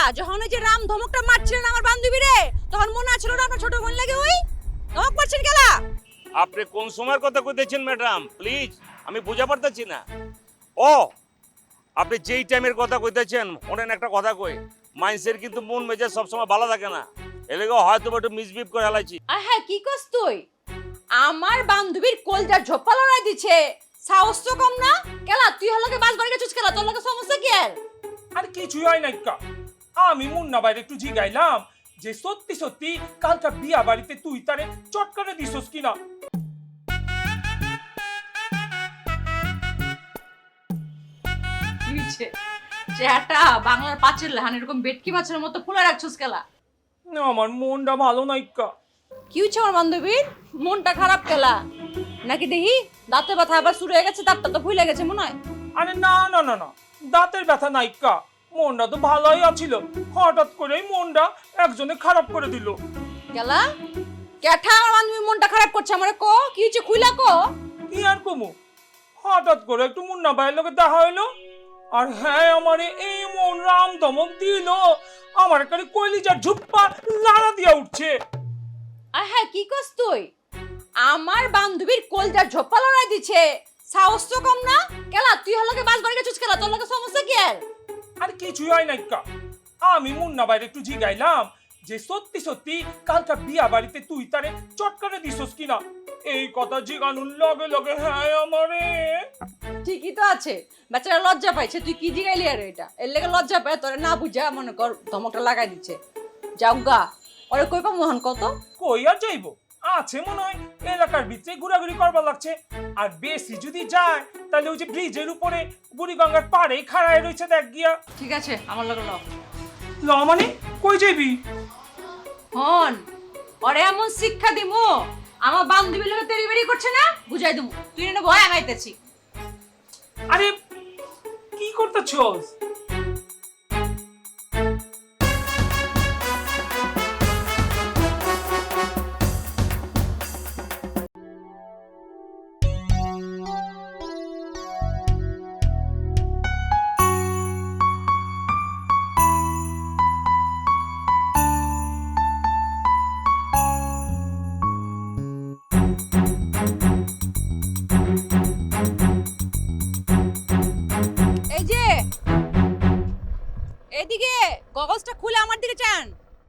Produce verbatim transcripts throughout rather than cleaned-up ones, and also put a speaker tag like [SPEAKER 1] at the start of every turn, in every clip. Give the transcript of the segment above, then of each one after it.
[SPEAKER 1] যখন ওই যে রাম ধমকটা মারছিলেন আমার বান্ধবী রে, তখন মনে আছিল না আপনার ছোট বোন লাগে ওই ধমক মারছেন কেলা?
[SPEAKER 2] আপনি কোন সময়ের কথা কইতেছেন ম্যাডাম? প্লিজ, আমি বুঝা পারতেছি না। ও, আপনি যেই টাইমের কথা কইতেছেন, ওনেন একটা কথা কই, মাইন্সের কিন্তু মন মেজাজ সবসময় ভালো থাকে না, এলেগে হয়তো একটু মিসবিহেভ করে হেলাইছি।
[SPEAKER 1] আর হ্যাঁ, কি কস তুই? আমার বান্ধবীর কোলটা ঝোপা লড়াই দিছে, সাহস তো কম না? কেলা তুই হলকে বাস বাড়ি গেছিস কেলা? তোর লগে সমস্যা কি আর?
[SPEAKER 3] আর কিছুই হয় নাই কা। আমি মুন্না বাইরে একটু জিগাইলাম যে সত্যি সত্যি কালকা বিয়া বাড়িতে তুই তারে চটকারে দিছস কিনা।
[SPEAKER 1] কি হইছে? চেহারাটা বাংলার পাঁচের লাহান এরকম বেটকি মাছের মতো ফুলে রাখছিস কেলা?
[SPEAKER 3] না, আমার মনটা ভালো নাই কা।
[SPEAKER 1] কি হচ্ছে আমার বান্ধবীর? মনটা খারাপ কেলা? নাকি দেখি দাঁতে ব্যথা আবার শুরু হয়ে গেছে, দাঁতটা তো ফুলে গেছে মনে হয়।
[SPEAKER 3] আরে না না না না, দাঁতের ব্যথা নাই কা। মনটা তো ভালোই আছিল, হঠাৎ করেই মনটা একজনে খারাপ করে দিল।
[SPEAKER 1] কেলা ক্যাঠা আমার বান্ধবীর মনটা খারাপ করছে? আমারে কো কি হচ্ছে, খুইলা কো।
[SPEAKER 3] কি আর কমু, হঠাৎ করে একটু মুন্না ভাইয়ের লোকে দেখা হইলো, আর হ্যাঁ আমারে এই মন রাম ধমক দিল, আমার এখানে কলিজার ঝুপ্পা লাড়া দিয়া উঠছে।
[SPEAKER 1] আর হ্যাঁ, কি কস তুই? আমার বান্ধবীর কোলটা ঝোপা লড়াই দিছে, সাহস তো কম না? কেলা তুই হলকে বাস বাড়ি গেছিস কেলা? তোর লগে সমস্যা কি আর?
[SPEAKER 3] আর কিছুই হয় নাই কা। আমি মুন্না বাইরে একটু জিগাইলাম যে সত্যি সত্যি কালকা বিয়া বাড়িতে তুই তারে চটকারে দিছস কিনা। এই কথা জিগানুর লগে লগে হ্যাঁ আমারে।
[SPEAKER 1] ঠিকই তো আছে, বেচারা লজ্জা পাইছে। তুই কি জিগাইলি আর এটা? এর লেগে লজ্জা পায়, তোরে না বুঝা মনে কর ধমকটা লাগাই দিচ্ছে। যাও গা, ওরে কই পা মোহন কত?
[SPEAKER 3] কই আর যাইবো, আছে মনে হয় এলাকার ভিতরে ঘোরাঘুরি করবার লাগছে। আর বেশি যদি যায় তাহলে ওই যে ব্রিজের উপরে বুড়িগঙ্গার পাড়ে খাড়ায় রয়েছে দেখ গিয়া।
[SPEAKER 1] ঠিক আছে, আমার লগে ল।
[SPEAKER 3] ল মানে কই যাইবি?
[SPEAKER 1] হন, ওরে এমন শিক্ষা দিমু, আমার বান্ধবীর লগে তেরি বেরি করছে না, বুঝাই দিমু। তুই না ভয় আগাইতেছি।
[SPEAKER 3] আরে কি করতেছস?
[SPEAKER 1] এই যে এদিকে গগলসটা খুলে আমার দিকে চান।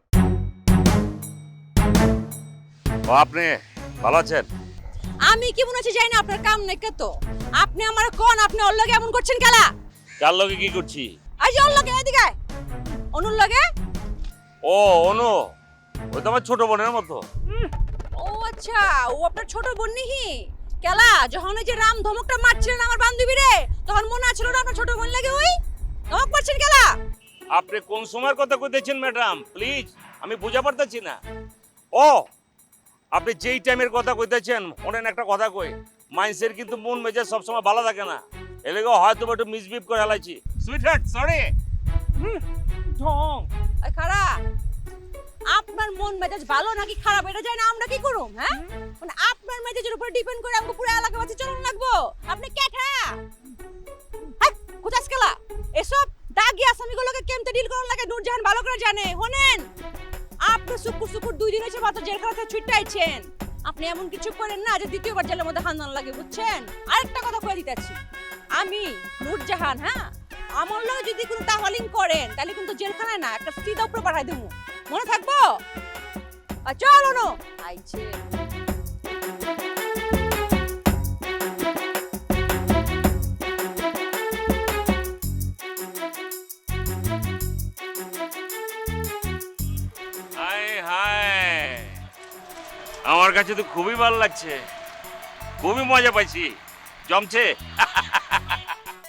[SPEAKER 2] ও, আপনি ভালো আছেন?
[SPEAKER 1] আমি কি মনে হচ্ছে যাই না, আপনার কাম নাই কত? আপনি আমার কোন, আপনি ওর লগে এমন করছেন কেলা?
[SPEAKER 2] কার লগে কি করছি?
[SPEAKER 1] আই যে ওর লগে, এদিকে আয়। অনুর লগে?
[SPEAKER 2] ও, অনু, ওই তো আমার ছোট বোনের মতো।
[SPEAKER 1] ও আচ্ছা, ও আপনার ছোট বোন নিহি কেলা? যখন ওই যে রাম ধমকটা মারছিলেন আমার বান্ধবী রে, তখন মনে আছিল না আপনার ছোট বোন লাগে ওই ধমক মারছেন কেলা?
[SPEAKER 2] আপনি কোন সময়ের কথা কইতেছেন ম্যাডাম? প্লিজ, আমি বুঝা পারতেছি না। ও, আপনি যেই টাইমের কথা কইতেছেন, ওনেন একটা কথা কই, মাইন্সের কিন্তু মন মেজাজ সবসময় ভালো থাকে না, এলেগে হয়তো একটু মিসবিহেভ করে হেলাইছি। Sweetheart, sorry.
[SPEAKER 3] ঢং।
[SPEAKER 1] আই খারা, আপনার মন মেজাজ ভালো নাকি খারাপ এটা জানি না আমরা কি করুম? হ্যাঁ, মানে আপনার মেজাজের উপর ডিপেন্ড করে আমাকে পুরো এলাকাবাসী চলন লাগবো? আপনি ক্যাঠা হাই কোথাস কেলা? এসব দাগি আসামিগুলোকে কেমতে ডিল করন লাগে নূরজাহান ভালো করে জানে। হোনেন, আপনি সুকুর সুকুর দুই দিন হয়েছে মাত্র জেলখানা থেকে ছুটে আইছেন। আপনি এমন কিছু করেন না যে দ্বিতীয়বার জেলের মধ্যে হান্দান লাগে, বুঝছেন? আরেকটা কথা কয়ে দিতেছি, আমি নূরজাহান, হ্যাঁ, আমার লগে যদি কোনো তাহলিং করেন তাহলে কিন্তু জেলখানায় না, একটা সিধা উপরে পাঠাই দেবো, মনে থাকবো? আর চলো নো আইছে।
[SPEAKER 2] হায় হায়, আমার কাছে তো খুবই ভালো লাগছে, খুবই মজা পাইছি, জমছে।